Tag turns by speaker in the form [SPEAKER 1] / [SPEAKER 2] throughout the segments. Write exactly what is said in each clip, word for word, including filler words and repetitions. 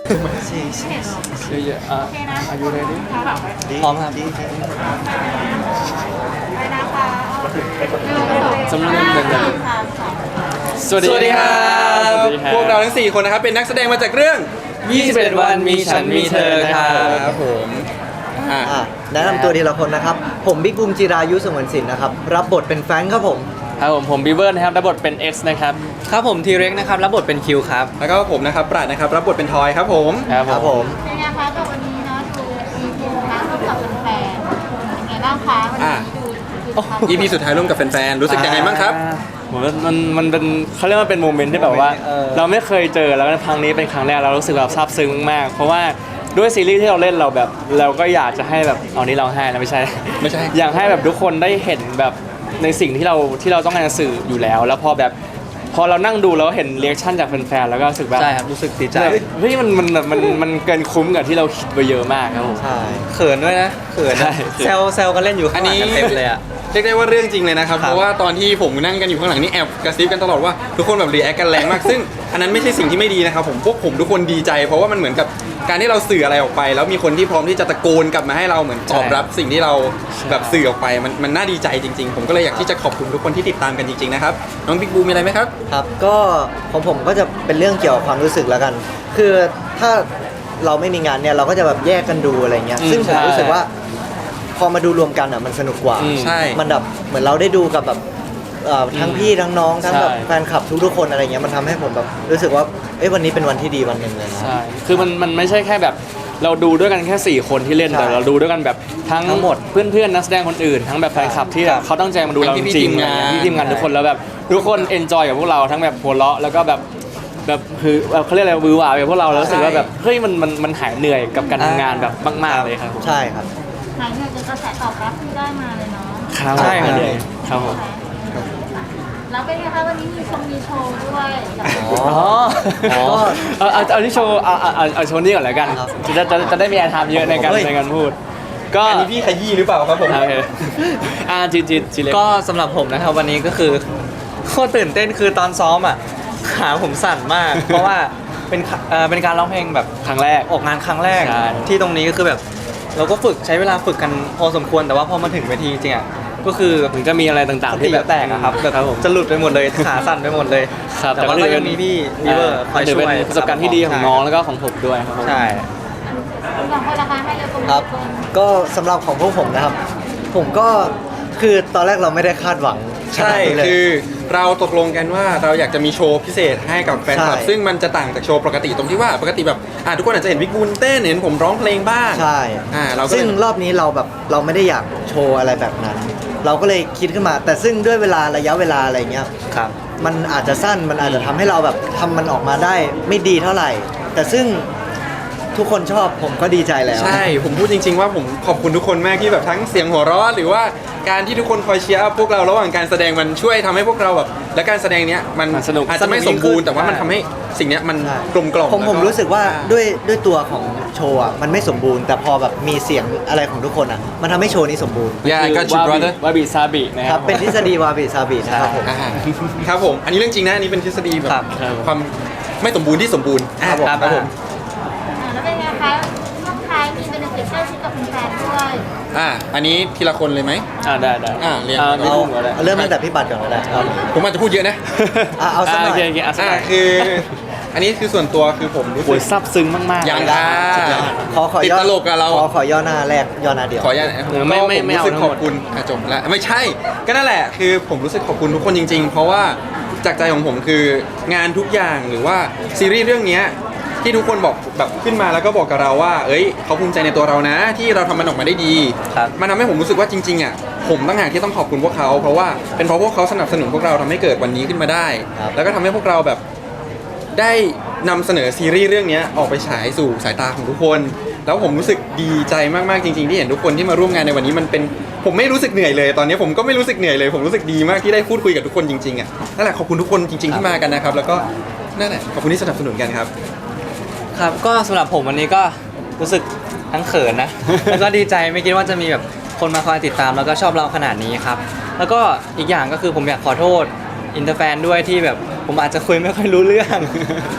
[SPEAKER 1] เยอะๆอ่ะอายุเรดี้
[SPEAKER 2] พร้อมครับ
[SPEAKER 3] ไปนะคะ
[SPEAKER 1] สำหรับหนึ่งหนึ่งสวัส
[SPEAKER 2] สวัสดีครับ
[SPEAKER 1] สวัสดีครับ
[SPEAKER 2] พวกเราทั้งสี่คนนะครับเป็นนักแสดงมาจากเรื่อง
[SPEAKER 1] ยี่สิบเอ็ดวันมีฉันมีเธอครับ
[SPEAKER 2] ครับผมอ่ะ
[SPEAKER 4] อ่ะแนะนำตัวทีละคนนะครับ ผมบิ๊กบูมจิรายุสงวนสินนะครับ รับบทเป็นแฟรงค์ครับผม
[SPEAKER 1] ครับผมผมบีเบิร์นะครับรับบทเป็น X นะครับ
[SPEAKER 5] ครับผมทีเร็กนะครับรับบทเป็นคิวครับ
[SPEAKER 2] แล้วก็ผมนะครับปราดนะครับรับบทเป็นทอยครับผม
[SPEAKER 1] ครับ
[SPEAKER 4] ครับ
[SPEAKER 1] ผ
[SPEAKER 4] ผม ม
[SPEAKER 3] เป็นไงคะกับวันนี้เนาะดูอีพีนะร่วมกับแฟนๆเป็นไงบ้างคะวันนี้ดูดูทำ
[SPEAKER 2] อีพีสุดท้ายร่วมกับแฟนๆรู้สึกยังไงบ้างครับ
[SPEAKER 1] ผมว่ามันมันเป็นเขาเรียกว่าเป็นโมเมนต์ที่แบบว่า
[SPEAKER 5] เออ
[SPEAKER 1] เราไม่เคยเจอแล้วครั้งนี้เป็นครั้งแรกเรารู้สึกแบบซาบซึ้งมาก เพราะว่าด้วยซีรีส์ที่เราเล่นเราแบบ เราก็อยากจะให้แบบเอานี้เราให้นะไม่ใช่
[SPEAKER 2] ไม่ใช่
[SPEAKER 1] อยากให้แบบทุกคนได้เห็นแบบในสิ่งที่เราที่เราต้องการจะสื่ออยู่แล้ว แล้วพอแบบพอเรานั่งดูแล้วเห็นเรีแอคชั่นจากแฟนๆแล้วก็รู้สึกแบบ
[SPEAKER 5] ใช่ครับรู้สึกดีใจ
[SPEAKER 1] แบบเฮ้ยมันมันมันมันเกินคุ้มกับที่เราคิดไปเยอะมากครับผม
[SPEAKER 4] ใช่
[SPEAKER 5] เขินด้วยนะเขิน
[SPEAKER 1] ใช่
[SPEAKER 5] นะแซวแซวกันเล่นอยู่ข้างหลังกันเต็มเลยอ่ะ
[SPEAKER 2] เรียกได้ว่าเรื่องจริงเลยนะครับ
[SPEAKER 5] ครับ
[SPEAKER 2] เพราะว่าตอนที่ผมนั่งกันอยู่ข้างหลังนี่แอบกระซิบกันตลอดว่าทุกคนแบบรีแอคกันแรงมาก ซึ่งอันนั้นไม่ใช่สิ่งที่ไม่ดีนะครับผมพวกผมทุกคนดีใจ เพราะว่ามันเหมือนกับการที่เราสื่ออะไรออกไป แล้วมีคนที่พร้อมที่จะตะโกนกลับมาให้เราเหมือนตอบรับสิ่งที่เราแบบสื่อออกไปมันมันน่าดีใจจริง ๆ ผมก็เลยอยากที่จะขอบคุณทุกคนที่ติดตามกันจริงๆนะครับน้องบิ๊กบูมีอะไรไหมครับ
[SPEAKER 4] ครับ ก็ของผมก็จะเป็นเรื่องเกี่ยวกับความรู้สึกแล้วกัน คือถ้าเราไม่มีงานเนี่ยเราก็จะแบบแยกกันดูอะไรเงี้ย
[SPEAKER 1] อืม
[SPEAKER 4] ซึ่งผม
[SPEAKER 1] ใช่
[SPEAKER 4] รู้สึกว่า พอมาดูรวมกันอ่ะมันสนุกกว่า
[SPEAKER 1] อืม
[SPEAKER 2] ใช่
[SPEAKER 4] มันแบบเหมือนเราได้ดูกับแบบเอ่อทั้งพี่ทั้งน้องทั้งแบบ
[SPEAKER 1] ใช่
[SPEAKER 4] แฟนคลับทุกๆคนอะไรเงี้ยมันทำให้ผมแบบรู้สึกว่าเอ้ยวันนี้เป็นวันที่ดีวันหนึ่งเลยนะ
[SPEAKER 1] ใช่ คือมันมันไม่ใช่แค่แบบเราดูด้วยกันแค่สี่คนที่เล่น
[SPEAKER 4] ใช่
[SPEAKER 1] แต่เราดูด้วยกันแบบทั้ง
[SPEAKER 4] ทั้งหมด
[SPEAKER 1] เพื่อนๆนักแสดงคนอื่น ทั้งแบบแฟนคลับที่แบบเขาตั้งใจมาดูเราจ
[SPEAKER 2] ทั้งพี่ๆ
[SPEAKER 1] ริ
[SPEAKER 2] ที
[SPEAKER 1] ง
[SPEAKER 2] ม
[SPEAKER 1] ๆ
[SPEAKER 2] งาน
[SPEAKER 1] พี่ทีมงานทุกคนแล้วแบบทุกคนเอนจอยกับพวกเราทั้งแบบหัวเราะแล้วก็แบบแบบคือแบบเขาเรียกอะไรวือหวากับพวกเราแล้วรู้สึกว่าแบบเฮ้ยมันมันมันหายเหนื่อยกับการทำงานแบบมากๆเลยครับผม
[SPEAKER 4] ใช่ครับ
[SPEAKER 3] หายเหนื่อยจากกระแสตอบรับที่ได้มาเลยเนาะ
[SPEAKER 1] ครับ
[SPEAKER 4] ใช่ครับ
[SPEAKER 1] หายเหนื่อยครับผม
[SPEAKER 3] แล้วเป็นไงคะวันนี้มีชมมีโชว์ด้วยกับ
[SPEAKER 1] อ๋ออ๋อเอาเอาเอาที่โชว์เอาเอาเอาเอาโชว์นี้ก่อนแล้วกัน
[SPEAKER 4] ครับ
[SPEAKER 1] จะจะจะได้มีแอร์ไทม์เยอะในการ
[SPEAKER 4] เฮ้ย
[SPEAKER 1] ในการพูด ก็
[SPEAKER 2] อันนี้พี่ขยี้หรือเปล่าครับผม
[SPEAKER 1] โอเคอ่าจีจีจีเล็ก
[SPEAKER 5] ก็สำหรับผมนะครับวันนี้ก็คือโคตรตื่นเต้นคือตอนซ้อมอ่ะขาผมสั่นมาก เพราะว่าเป็นขาเอ่อเป็นการร้องเพลงแบบ
[SPEAKER 1] ครั้งแรก
[SPEAKER 5] ออกงานครั้งแรก
[SPEAKER 1] ใช่
[SPEAKER 5] ที่ตรงนี้ก็คือแบบ เราก็ฝึกใช้เวลาฝึกกันพอสมควรแต่ว่าพอมาถึงเวทีจริงๆอ่ะก็คือ
[SPEAKER 1] ถึงจะมีอะไรต่าง
[SPEAKER 5] ส
[SPEAKER 1] ๆ
[SPEAKER 5] ติ
[SPEAKER 1] ที่แบบ
[SPEAKER 5] แตกอะครับแบบ
[SPEAKER 1] ครับผม
[SPEAKER 5] จะหลุดไปหมดเลยขาสั่นไปหมดเลย
[SPEAKER 1] ครับ
[SPEAKER 5] แต่ว่า
[SPEAKER 1] ก็
[SPEAKER 5] ก็
[SPEAKER 1] ถือ
[SPEAKER 5] ยังมีพี่วีเวอร์คอย
[SPEAKER 1] ถือ
[SPEAKER 5] ช่
[SPEAKER 1] เป็
[SPEAKER 5] วน ย
[SPEAKER 1] ประสบการณ์ที่ดีของน้องแล้วก็ของผมด้วยครับผม
[SPEAKER 5] ใช่
[SPEAKER 3] คุณสองคนละคะให้เลยคุณ
[SPEAKER 4] ครับ
[SPEAKER 3] คน
[SPEAKER 4] ก็สำหรับของพวกผมนะครับ ผมก็คือตอนแรกเราไม่ได้คาดหวัง
[SPEAKER 2] ใช่
[SPEAKER 4] ขนาดนี้เลย
[SPEAKER 2] คือเราตกลงกันว่าเราอยากจะมีโชว์พิเศษให้กับแฟนคลับ
[SPEAKER 4] ใช่
[SPEAKER 2] ซึ่งมันจะต่างจากโชว์ปกติตรงที่ว่าปกติแบบอ่าทุกคนอาจจะเห็นวิกบูลเต้นเห็นผมร้องเพลงบ้าง
[SPEAKER 4] ใช่
[SPEAKER 2] อ่าเราก็
[SPEAKER 4] ซึ่ง
[SPEAKER 2] เลย
[SPEAKER 4] รอบนี้เราแบบเราไม่ได้อยากโชว์อะไรแบบนั้น เราก็เลยคิดขึ้นมา แต่ซึ่งด้วยเวลาระยะเวลาอะไรเงี้ย
[SPEAKER 5] ครับ
[SPEAKER 4] มันอาจจะสั้นมันอาจจะทำให้เราแบบทำมันออกมาได้ไม่ดีเท่าไหร่ แต่ซึ่งทุกคนชอบผมก็ดีใจแล้ว
[SPEAKER 2] ใช่ผมพูดจริง ๆ ว่าผมขอบคุณทุกคนมากที่แบบทั้งเสียงหัวเราะหรือว่าการที่ทุกคนคอยเชียร์อัพพวกเราระหว่างการแสดงมันช่วยทำให้พวกเราแบบและการแสดงเนี้ยมัน
[SPEAKER 1] มันสนุก
[SPEAKER 2] อาจจะไม่สมบูรณ์แต่ว่ามัน
[SPEAKER 5] ใช่
[SPEAKER 2] ทำให้สิ่งเนี้ยมัน
[SPEAKER 4] ใช่
[SPEAKER 2] กลมกล่อม
[SPEAKER 4] ผมผม
[SPEAKER 2] แล้ว
[SPEAKER 4] รู้สึกว่าด้วยด้วยตัวของโชว์อ่ะมันไม่สมบูรณ์ แต่พอแบบมีเสียงอะไรของทุกคนอ่ะมันทำให้โชว์นี้สมบูรณ์
[SPEAKER 2] Yeah I got you
[SPEAKER 1] วาบิ
[SPEAKER 2] brother
[SPEAKER 1] วาบิซาบินะค
[SPEAKER 4] ค
[SPEAKER 1] รั
[SPEAKER 4] รับ บเป็นทฤษฎีวาบิซาบินะครับผม
[SPEAKER 2] อ่าครับผมอันนี้เรื่องจริงนะอันนี้เป็นทฤษฎีแบบ
[SPEAKER 5] ครับ
[SPEAKER 2] ความไม่สมบูรณ์ที่สมบูรณ์อ่า
[SPEAKER 4] ครับผม
[SPEAKER 2] ครับผม
[SPEAKER 3] อ่าแล้วเป็นไงคะช่วงท้ายมีเป็นเด็กใกล้ชิดกับแฟนๆด้วย
[SPEAKER 2] อ่าอันนี้ทีละคนเลยไหม
[SPEAKER 1] อ่าได้ได้
[SPEAKER 2] อ่าเรียน
[SPEAKER 1] ไม่
[SPEAKER 4] เอา
[SPEAKER 1] พูดก็ได้
[SPEAKER 4] เอาเริ่มตั้งแต่พี่บัตรก่อนก็ได้ครับ
[SPEAKER 2] ผมอาจจะพูดเยอะนะ
[SPEAKER 4] อ่ะเอาสักหน่
[SPEAKER 1] โอ
[SPEAKER 4] อย
[SPEAKER 1] เคโอเคอ่ะสัก
[SPEAKER 2] อ่า
[SPEAKER 1] หน่อย
[SPEAKER 2] คือ อันนี้คือส่วนตัวคือผมรู้
[SPEAKER 1] โอ้
[SPEAKER 2] สึ
[SPEAKER 1] ย
[SPEAKER 2] ก
[SPEAKER 1] ซับซึ้งมากๆ
[SPEAKER 2] ยัง
[SPEAKER 1] เล
[SPEAKER 2] ค่ะ
[SPEAKER 4] ขอขอ
[SPEAKER 2] ติด
[SPEAKER 4] ย่อ
[SPEAKER 2] ตลกกับเรา
[SPEAKER 4] ขอขอย่อหน้าแรกย่อหน้าเดียว
[SPEAKER 2] ขออนุญาต
[SPEAKER 1] เออไม่ไม่
[SPEAKER 2] ก็ผ
[SPEAKER 1] ไม่เอา
[SPEAKER 2] รู้สึก
[SPEAKER 1] ทั้ง
[SPEAKER 2] ข
[SPEAKER 1] หม
[SPEAKER 2] อ
[SPEAKER 1] ด
[SPEAKER 2] บคุณอ่ะจบแล้วไม่ใช่ ก็นั่นแหละคือผมรู้สึกขอบคุณทุกคนจริง ๆ เพราะว่าจากใจของผมคืองานทุกอย่างหรือว่าซีรีส์เรื่องเนี้ยที่ทุกคนบอกแบบขึ้นมาแล้วก็บอกกับเราว่า เอ้ยเขาภูมิใจในตัวเรานะ ที่เราทำมันออกมาได้ดี
[SPEAKER 5] ครับ
[SPEAKER 2] มันทำให้ผมรู้สึกว่าจริงๆอ่ะผมตั้งหากที่ต้องขอบคุณพวกเขาเพราะว่าเป็นเพราะพวกเขาสนับสนุนพวกเราทำให้เกิดวันนี้ขึ้นมาได้
[SPEAKER 4] ครับ
[SPEAKER 2] แล้วก็ทำให้พวกเราแบบได้นำเสนอซีรีส์เรื่องนี้ออกไปฉายสู่สายตาของทุกคน แล้วผมรู้สึกดีใจมากๆจริงๆที่เห็นทุกคนที่มาร่วมงานในวันนี้มันเป็นผมไม่รู้สึกเหนื่อยเลย ตอนนี้ผมก็ไม่รู้สึกเหนื่อยเลย ผมรู้สึกดีมากที่ได้พูดคุยกับทุกคนจริงๆอ่ะนั่นแหละขอบคุณทุกคนจริง ๆที่มากันนะครับ แล้วก็นั่นแหละขอบคุณที่สนับสนุนกันครับ
[SPEAKER 5] ครับก็สำหรับผมวันนี้ก็รู้สึกทั้งเขินนะ แล้วก็ดีใจไม่คิดว่าจะมีแบบคนมาคอยติดตามแล้วก็ชอบเราขนาดนี้ครับแล้วก็อีกอย่างก็คือผมอยากขอโทษอินเตอร์แฟนด้วยที่แบบผมอาจจะคุยไม่ค่อยรู้เรื่อง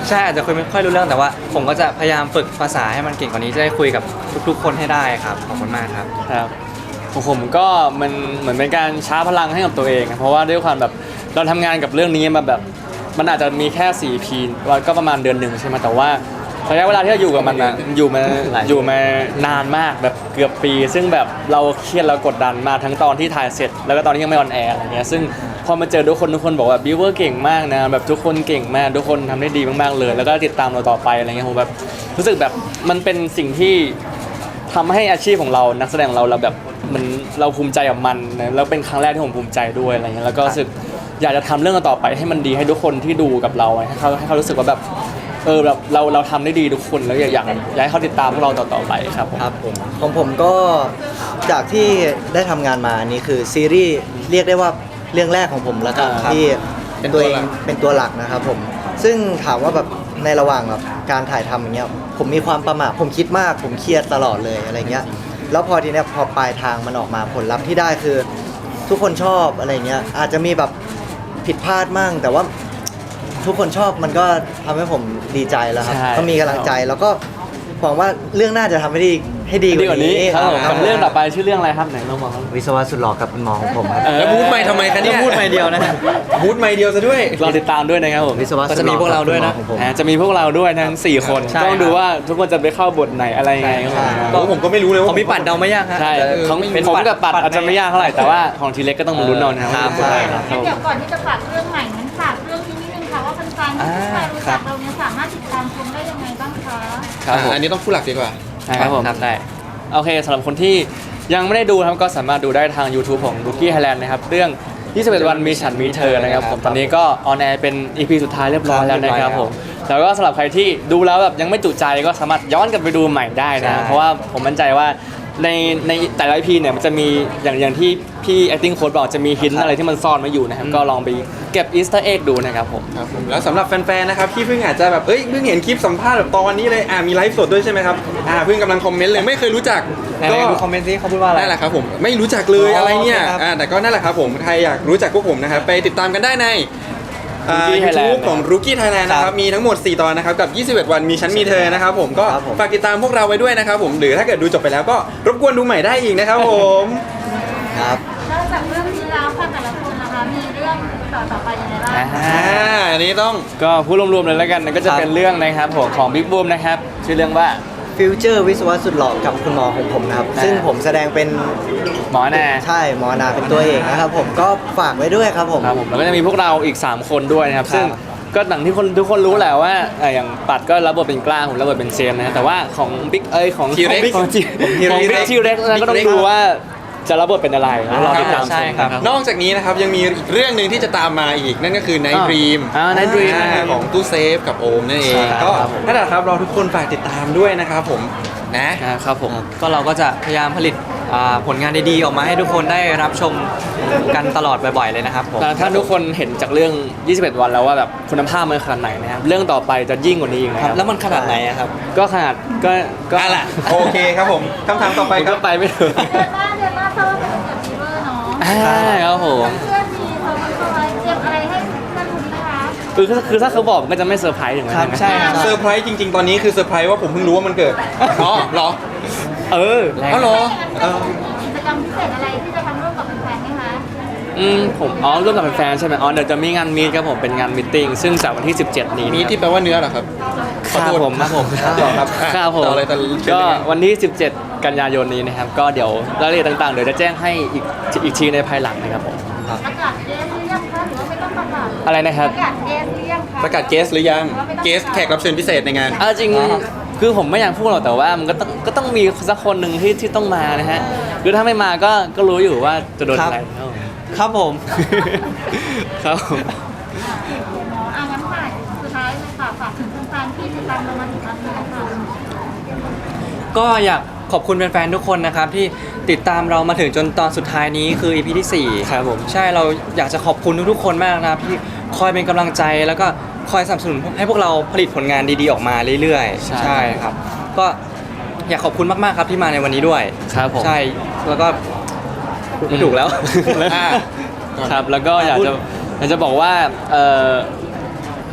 [SPEAKER 5] ใช่อาจจะคุยไม่ค่อยรู้เรื่องแต่ว่า ผมก็จะพยายามฝึกภาษาให้มันเก่งกว่านี้จะได้คุยกับทุกๆ คนให้ได้ครับขอบคุณมากครับ
[SPEAKER 1] ครับของผมก็มันเหมือนเป็นการชาร์จพลังให้กับตัวเองอะเพราะว่าด้วยความแบบเราทำงานกับเรื่องนี้มาแบบมันอาจจะมีแค่สี่ พีวันก็ประมาณเดือนหนึ่งใช่ไหมแต่ว่าระยะเวลาที่เราอยู่กับมันอะอยู่มาอยู่มานานมากแบบเกือบปี ซึ่งแบบเราเครียดเรากดดันมากทั้งตอนที่ถ่ายเสร็จ แล้วก็ตอนที่ยังไม่ออนแอร์อะไรเงี้ยซึ่งพอมาเจอทุกคนทุกคนบอกว่าบิวเวอร์เก่งมากนะแบบทุกคนเก่งมากทุกคนทำได้ดีมากๆเลย แล้วก็ติดตามเราต่อไปอะไรเงี้ยผมแบบรู้สึกแบบมันเป็นสิ่งที่ ทำให้อาชีพของเรานักแสดงของเราเราแบบมันเราภูมิใจกับมันนะแล้วเป็นครั้งแรกที่ผมภูมิใจด้วยอะไรเงี้ยแล้วก็รู้สึกอยากจะทำเรื่องต่อไปให้มันดีให้ทุกคนที่ดูกับเราให้เขาให้เขารู้สึกว่าแบบเออแบบเราเราทำได้ดีทุกคนแล้วอยากอยากอยากให้เขาติดตามพวกเราต่อๆไปครับผม
[SPEAKER 4] ครับผมของผมก็จากที่ได้ทำงานมานี่คือซีรีส์เรียกได้ว่าเรื่องแรกของผมแล้วกัน
[SPEAKER 1] อ่าครับ
[SPEAKER 4] ที่
[SPEAKER 2] เป็นตัว
[SPEAKER 4] ตัวเอ
[SPEAKER 2] หลั
[SPEAKER 4] ง
[SPEAKER 2] ก
[SPEAKER 4] เป็นตัวหลักนะครับผมซึ่งถามว่าแบบในระหว่างแบบการถ่ายทำอย่างเงี้ยผมมีความประหม่าผมคิดมากผมเครียดตลอดเลยอะไรเงี้ยแล้วพอทีเนี้ยพอปลายทางมันออกมาผลลัพธ์ที่ได้คือ ทุกคนชอบอะไรเงี้ยอาจจะมีแบบผิดพลาดมั่งแต่ว่าทุกคนชอบมันก็ทำให้ผมดีใจแล้วครับ
[SPEAKER 1] ใช่
[SPEAKER 4] ก็มีกำลังใจแล้วก็หวังว่าเรื่องหน้าจะทำให้ดีให้ดี
[SPEAKER 1] ดีกว่านี้ครับผม
[SPEAKER 4] ค
[SPEAKER 1] กับเรื่องต่อไปชื่อเรื่องอะไรครับไหนลองบอกครับ
[SPEAKER 4] วิศวะสุดหล่อกับคุณหมอของผมครับ
[SPEAKER 1] เออ
[SPEAKER 2] แล้วบูธไม่ทำไมคะเนี่ย
[SPEAKER 5] พูดไม่เดียวนะฮะ
[SPEAKER 2] บูธไม่เดียวซะด้วย
[SPEAKER 1] เราติดตามด้วยนะครับผม
[SPEAKER 4] วิศวะ
[SPEAKER 5] ก็จะมีพวกเราด้วยนะ
[SPEAKER 4] ของผม
[SPEAKER 1] อ่าจะมีพวกเราด้วยทั้งสี่คน
[SPEAKER 5] ใช่
[SPEAKER 1] ต้องดู
[SPEAKER 5] ครับ
[SPEAKER 1] ว่าทุกคนจะไปเข้าบทไหนอะไรยังไงครับผม
[SPEAKER 2] โอ้ผมก็ไม่รู้เลยว่า
[SPEAKER 5] ของพี่ปัดเดาไม่ยากฮะ
[SPEAKER 1] ใช่
[SPEAKER 2] เออ
[SPEAKER 1] ของ
[SPEAKER 2] ไม่
[SPEAKER 1] ผมกับปัดอาจจะไม่ยากเท่าไหร่แต่ว่าของทีเล็กก็ต้องมาลุ้นเอานะครับ
[SPEAKER 5] ครับ
[SPEAKER 1] ใช่ครับ
[SPEAKER 3] งั้นเดี๋ยวก่อนที่จะฝากเรื่องใหม่งั้นฝากเรื่องนี้นิดนึงค่ะว่าแฟนๆที่เพิ่งมารู้จักเราเนี่ยสามารถติดตามชมได้ยังไงบ้างคะ
[SPEAKER 1] ครับผม
[SPEAKER 2] อ่ะอันนี้ต้องผู้หลักดีกว่า
[SPEAKER 1] ใช่ครับผม
[SPEAKER 5] ครับได้
[SPEAKER 1] โอเคสำหรับคนที่ยังไม่ได้ดูนะครับก็สามารถดูได้ทาง YouTube ของ Rookie Thailand นะครับเรื่องยี่สิบเอ็ดวันมีฉันมีเธอนะครับผมตอนนี้ก็ออนแอร์เป็น อี พี สุดท้ายเรียบร้อยแล้วนะครับผมแล้วก็สำหรับใครที่ดูแล้วแบบยังไม่จุใจก็สามารถย้อนกลับไปดูใหม่ได้นะ
[SPEAKER 5] ใช่
[SPEAKER 1] เพราะว่าผมมั่นใจว่าในในแต่ละ อี พีเนี่ยมันจะมีอย่างอย่างที่พี่ acting coach บอกจะมีหินอะไรที่มันซ่อนไว้อยู่นะครับก็ลองไปเก็บ Easter egg ดูนะครับผม
[SPEAKER 2] ครับผมแล้วสำหรับแฟนๆ นะครับที่เพิ่งอาจจะแบบเอ้ยเพิ่งเห็นคลิปสัมภาษณ์แบบตอนนี้เลยอ่ามีไลฟ์สดด้วยใช่ไหมครับอ่าเพิ่งกำลังคอมเมนต์เลยไม่เคยรู้จัก
[SPEAKER 5] ไหนๆดูคอมเมนต์ซิเขาพูดว่าอะไร
[SPEAKER 2] นั่นแหละครับผมไม่รู้จักเลย
[SPEAKER 5] อ๋ออ
[SPEAKER 2] อะไรเนี่ย
[SPEAKER 5] โอเคครับ
[SPEAKER 2] อ่าแต่ก็นั่นแหละครับผมใครอยากรู้จักพวกผมนะครับไปติดตามกันได้ในอ่า
[SPEAKER 1] Rookie Thailand
[SPEAKER 2] YouTube ของ Rookie Thailand นะค
[SPEAKER 5] ครั
[SPEAKER 2] รับบ มีทั้งหมดสี่ตอนนะครับกับยี่สิบเอ็ดวันมีฉันมีเธอนะครับผมก็
[SPEAKER 4] ครับผม
[SPEAKER 2] ฝากติดตามพวกเราไว้ด้วยนะครับผมหรือถ้าเกิดดูจบไปแล้วก็รบกวนดูใหม่ได้อีกนะครับผม
[SPEAKER 4] ครับ
[SPEAKER 3] นอกจากเรื่องนี้แล้วค่ะแต่ละคนนะคะมีเรื่องต่อต่อไปยังไงบ้าง
[SPEAKER 2] อ่าอันนี้ต้อง
[SPEAKER 1] ก็พูดรวมๆเลยแล้วกันก็จะเป็นเรื่องนะครับผมของ Big Boom นะครับชื่อเรื่องว่า
[SPEAKER 4] ฟิวเจอร์วิศวะสุดหล่อกับคุณหมอของผมนะครับ
[SPEAKER 1] อ่า
[SPEAKER 4] ซึ่งผมแสดงเป็น
[SPEAKER 1] หมอแน่
[SPEAKER 4] ใช่หมอนาเป็นตัวเอกนะครับผมก็ฝากไว้ด้วยครับผม
[SPEAKER 1] ครับผมแล้วก็จะมีพวกเราอีก สาม คนด้วยนะครับ
[SPEAKER 4] ครับ
[SPEAKER 1] ซึ่งก็หนังที่คนทุกคนรู้แหละว่าเอ่ออย่างปัดก็รับบทเป็นกล้าผมรับบทเป็นเซมนะฮะแต่ว่าของบิ๊กเอ้ยของ
[SPEAKER 2] T-Rex
[SPEAKER 1] ของจีของบิ๊กทีเร็กก็ต้องดูว่าจะรับบทเป็นอะไรแล้วรอติดตาม
[SPEAKER 5] ใช่ครับ
[SPEAKER 1] ชมนะ
[SPEAKER 2] นอกจากนี้นะครับยังมีอีกเรื่องหนึ่งที่จะตามมาอีกนั่นก็คือ Night
[SPEAKER 1] อ่า
[SPEAKER 2] Dream
[SPEAKER 1] อ่า Night Dream
[SPEAKER 2] อ่า
[SPEAKER 1] นะครับ
[SPEAKER 2] ของตู้เซฟกับโอมนั่นเอง
[SPEAKER 1] ใช่ครับ
[SPEAKER 2] ก็
[SPEAKER 1] ครับผม
[SPEAKER 2] นั่นแหละครับเราทุกคนฝากติดตามด้วยนะครับผมนะ
[SPEAKER 1] นะครับผม
[SPEAKER 5] ก็เราก็จะพยายามผลิตอ่าผลงานดีๆออกมาให้ทุกคนได้รับชมกันตลอดบ่อยๆเลยนะครับผม
[SPEAKER 1] แต่ถ้าทุกคนเห็นจากเรื่อง ยี่สิบเอ็ด วันแล้วว่าแบบคุณภาพมันขนาดไหนนะครับเรื่องต่อไปจะยิ่งกว่านี้อีกนะ
[SPEAKER 5] ค
[SPEAKER 1] ค
[SPEAKER 5] รั
[SPEAKER 1] รั
[SPEAKER 5] บบ แล้วมันขนาดไหนอะครับ
[SPEAKER 1] ก็ขนาดก็ก็
[SPEAKER 2] อ่ะล่ะโอเคครับผมคำถามต่อไป
[SPEAKER 1] ไป
[SPEAKER 2] ค
[SPEAKER 1] ก็
[SPEAKER 2] รับ
[SPEAKER 1] ไปไม่ถึง
[SPEAKER 3] เดือนหน้าเดือนหน้าเข้าเป็นเดือนฟีเวอร์เนาะ
[SPEAKER 1] อ่าครับผม
[SPEAKER 3] เพื่อนมีเขาเข้าไว้เตรียมอะไรให้เพื่อนคุณนะคะ
[SPEAKER 1] คือคือถ้าเขาบอกมันก็จะไม่เซอร์ไพรส์ถึงนั้น
[SPEAKER 5] ครับ
[SPEAKER 1] นะ
[SPEAKER 5] ใช่ครับ
[SPEAKER 2] เซอร์ไพรส์จริง ๆ ตอนนี้คือเซอร์ไพรส์ว่าผมเพิ่งรู้ว่ามันเกิดอ๋อเหรอ
[SPEAKER 1] เออ
[SPEAKER 2] อ๋อเหรอเออ
[SPEAKER 3] กิจกรรมพิเศษอะไรที่จะทำร่วมกับแฟนๆไหมคะ
[SPEAKER 1] อืมผมอ๋อร่วมกับแฟนๆใช่ไหมอ๋อเดี๋ยวจะมีงานมีตครับผมเป็นงานมิทติ้งซึ่งจากวันที่ สิบเจ็ด นี้
[SPEAKER 2] มีที่แปลว่าเนื้อเหรอครับ
[SPEAKER 1] ครับผมครับผม
[SPEAKER 2] ต่อครับอ่ะ
[SPEAKER 1] ครับผม
[SPEAKER 2] ต่อเลยต่อเชิญ
[SPEAKER 1] ก็
[SPEAKER 2] เลย
[SPEAKER 1] วันที่ สิบเจ็ด กันยายนนี้นะครับก็เดี๋ยวรายละเอียดต่างๆเดี๋ยวจะแจ้งให้อีกอีกทีในภายหลังนะครับผม
[SPEAKER 3] ประกาศเกสหรือยังคะหรือว่าไม่ต้องประกาศ
[SPEAKER 1] อะไรนะครับ
[SPEAKER 3] ประกาศเกสหรือยังคะ
[SPEAKER 2] ประกาศเกสหรือยังเกสแขกรับเชิญพิเศษในงาน
[SPEAKER 1] เอาจริงคือผมไม่อยากพูดหรอกแต่ว่ามันก็ต้องก็ต้องมีสักคนหนึ่งที่ที่ต้องมานะฮะคือถ้าไม่มาก็ก็รู้อยู่ว่าจะโดนอะไรครับผม
[SPEAKER 5] ครับผม
[SPEAKER 1] ครับผม
[SPEAKER 3] เนาะอ่ะงั้นค่ะสุดท้ายเลยค่ะฝากถึงแฟนๆที่ติดตามเรามาถึงตอนนี้ค่ะ
[SPEAKER 5] ก็อยากขอบคุณแฟนๆทุกคนนะครับที่ติดตามเรามาถึงจนตอนสุดท้ายนี้คือ อี พี ที่สี่
[SPEAKER 1] ครับผม
[SPEAKER 5] ใช่เราอยากจะขอบคุณทุกๆคนมากนะครับที่คอยเป็นกำลังใจแล้วก็คอยสนับสนุนให้พวกเราผลิตผลงานดีๆออกมาเรื่อยๆ
[SPEAKER 1] ใช่
[SPEAKER 5] ครับ ก็อยากขอบคุณมากๆครับที่มาในวันนี้ด้วย
[SPEAKER 1] ครับผม
[SPEAKER 5] ใช่แล้วก็พูดไม่ถูกแล้ว
[SPEAKER 2] อ่า
[SPEAKER 1] ครับแล้วก็อยากจะอยากจะบอกว่าเอ่อ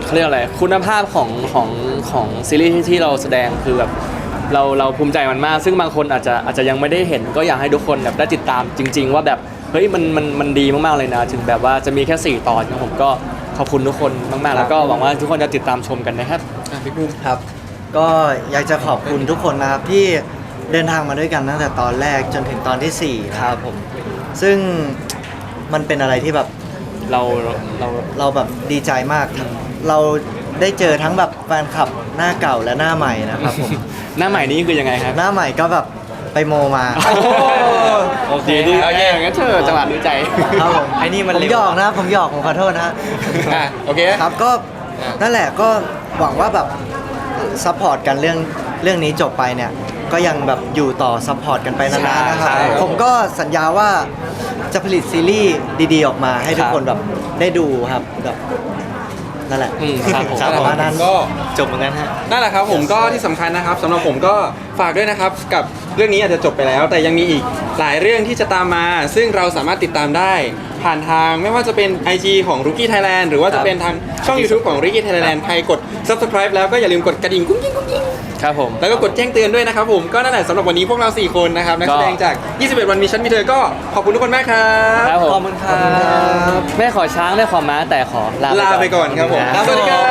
[SPEAKER 1] เขาเรียกอะไรคุณภาพของของของซีรีส์ที่ที่เราแสดงคือแบบเราเราภูมิใจมันมาก ซึ่งบางคนอาจจะอาจจะยังไม่ได้เห็นก็อยากให้ทุกคนแบบได้ติดตามจริง ๆ ว่าแบบเฮ้ยมันมันมันดีมากๆเลยนะ ถึงแบบว่าจะมีแค่สี่ตอนนะผมก็ขอบคุณทุกคนมากๆ แล้วก็หวังว่าทุกคนจะติดตามชมกันนะครับ
[SPEAKER 2] อ่ะพี่บูม
[SPEAKER 4] ครับ ก็อยากจะขอบคุณทุกคนนะครับที่เดินทางมาด้วยกันตั้งแต่ตอนแรกจนถึงตอนที่สี่นะครับผม ซึ่งมันเป็นอะไรที่แบบ
[SPEAKER 1] เราเรา
[SPEAKER 4] เราแบบดีใจมากครับเราได้เจอทั้งแบบแฟนคลับหน้าเก่าและหน้าใหม่นะครับผม
[SPEAKER 1] หน้าใหม่นี้คือยังไงครับ
[SPEAKER 4] หน้าใหม่ก็แบบไปโมมา
[SPEAKER 1] โอเคดีโอเคงั้นเธอจังหวะดีใจ
[SPEAKER 4] ครับผม
[SPEAKER 5] ไอ้นี่มัน
[SPEAKER 4] ผม
[SPEAKER 5] เร็ว
[SPEAKER 4] หยอกนะผมหยอกผมขอโทษนะ
[SPEAKER 2] อ่ะโอเค
[SPEAKER 4] ครับก็
[SPEAKER 2] อ่ะ
[SPEAKER 4] นั่นแหละก็หวังว่าแบบซัพพอร์ตกันเรื่องเรื่องนี้จบไปเนี่ย ก็ยังแบบอยู่ต่อซัพพอร์ตกันไปนานๆนะครับ
[SPEAKER 1] ใช่ครับ
[SPEAKER 4] ผมก็สัญญาว่าจะผลิตซีรีส์ดีๆออกมาให้ทุกคนแบบได้ดูครับแบบนั่นแหละ
[SPEAKER 1] อืมครับผม
[SPEAKER 4] ครับประมาณนั้น
[SPEAKER 2] ก็
[SPEAKER 4] จบเหมือนกันฮะ
[SPEAKER 2] นั่นแหละครับผมก็ที่สำคัญนะครับสำหรับผมก็ฝากด้วยนะครับกับเรื่องนี้อาจจะจบไปแล้ว แต่ยังมีอีกหลายเรื่องที่จะตามมา ซึ่งเราสามารถติดตามได้ผ่านทางไม่ว่าจะเป็น ไอ จี ของ Rookie Thailand หรือว่าจะเป็นทางช่อง YouTube ของ Rookie Thailand ใครกด Subscribe แล้วก็อย่าลืมกดกระดิ่งกุ้งกิ้งกุ้งกิ้ง
[SPEAKER 1] ครับผม
[SPEAKER 2] แล้วก็กดแจ้งเตือนด้วยนะครับผมก็นั่นแหละสำหรับวันนี้พวกเราสี่คนนะครับนักแสดงจาก ยี่สิบเอ็ด วันมีฉันมีเธอก็ขอบคุณทุกคนมากครับ
[SPEAKER 1] ครับผม
[SPEAKER 5] ขอบคุณครับ
[SPEAKER 1] ไม่ขอช้างไม่ขอม้าแต่ขอลา
[SPEAKER 2] ลาไปก่อนครับผม
[SPEAKER 1] นะ
[SPEAKER 2] สวัสดีครับ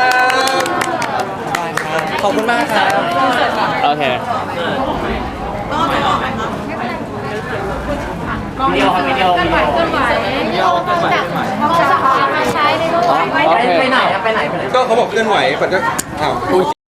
[SPEAKER 5] ขอบคุณมากครับ
[SPEAKER 1] โอเค
[SPEAKER 3] วิดีโอวิดีโอวิดีโอเคลื่อนไหววิดีโอเคลื่อนไหวมองจากมาใช้ในรูป
[SPEAKER 1] โอเค
[SPEAKER 2] ก็เขาบอกเคลื่อนไหวปัดก็อ้าว